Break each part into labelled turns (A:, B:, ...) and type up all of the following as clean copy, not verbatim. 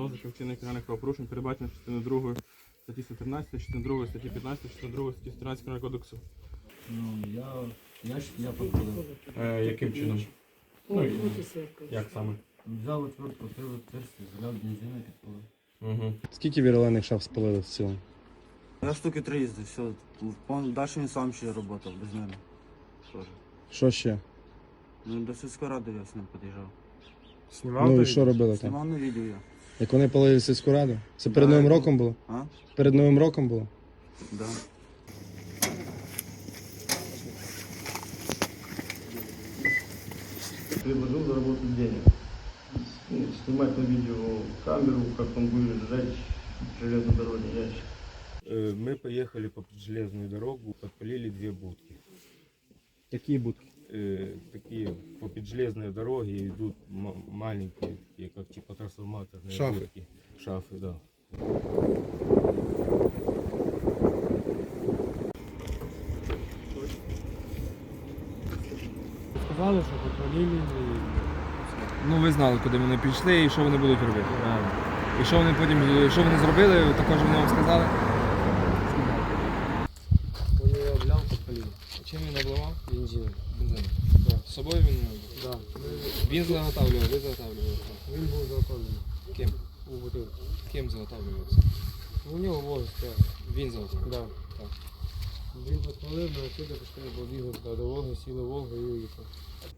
A: розшуку вчинення кримінальних правопорушень, передбачено частиною 2 статті 113, частиною 2 статті 15, частиною 2 статті 113 Кримінального кодексу.
B: Ну, я підпалив.
A: Яким чином? Ну, як саме?
B: Взяв отвертку, крив отверстие, заляв бензину і підпалив.
A: Угу.
C: Скільки вірлених шаф спалили в цілому?
D: Я штуки 3 їздив, все. Далі він сам ще працював, без мене. Тоже.
C: Що ще?
D: Ну, до сільської ради я з ним під'їжджав.
C: Ну і що робили там?
D: Знімав на відео я.
C: Як вони палили сільську раду? Це перед
D: Да,
C: Новим
D: я-
C: роком було?
D: А?
C: Перед Новим роком було?
D: Да.
E: Предложил заработать денег. Ну, снимать на видео камеру, как он будет сжечь железнодорожный ящик.
F: Мы поехали по железную дорогу, подпалили 2 будки.
C: Які будки?
F: Такие по поджелезной дороге идут маленькие, такие, как типа трансформаторные
C: Шафы.
F: будки. Шафы, да.
G: Сказали, що подпалили і...
H: Ну ви знали, куди вони пішли і що вони будуть робити. І що вони потім, що вони зробили, також вони вам сказали.
G: Коли я обляв, подпалив.
H: Чим він обливав?
G: Бензин.
H: Бензин.
G: Да.
H: З собою він не був?
G: Да.
H: Він заготавлював, ви заготавлювали.
G: Він був заготовлений
H: Ким?
G: у бутилку.
H: Ким заготавлювався?
G: У нього вози стояв.
H: Він заготавлював?
G: Да.
H: Так.
G: Він подпалив, ми отсюди пішли, побігли до Волги, сіли в Волгу і уїхали.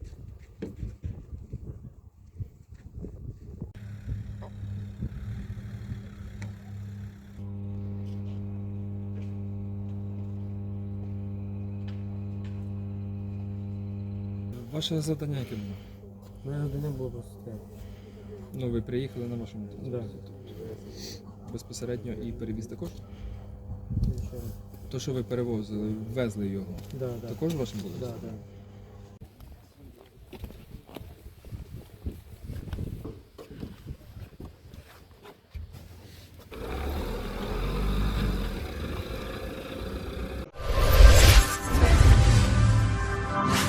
H: Ваше завдання яке було?
G: У мене завдання було просто стояти.
H: Ну ви приїхали на вашому транспорті?
G: Да.
H: Тобто безпосередньо і перевіз також?
G: Ще раз.
H: То, що ви перевозили, везли його,
G: Да, да.
H: також вашим було?
G: Да, да.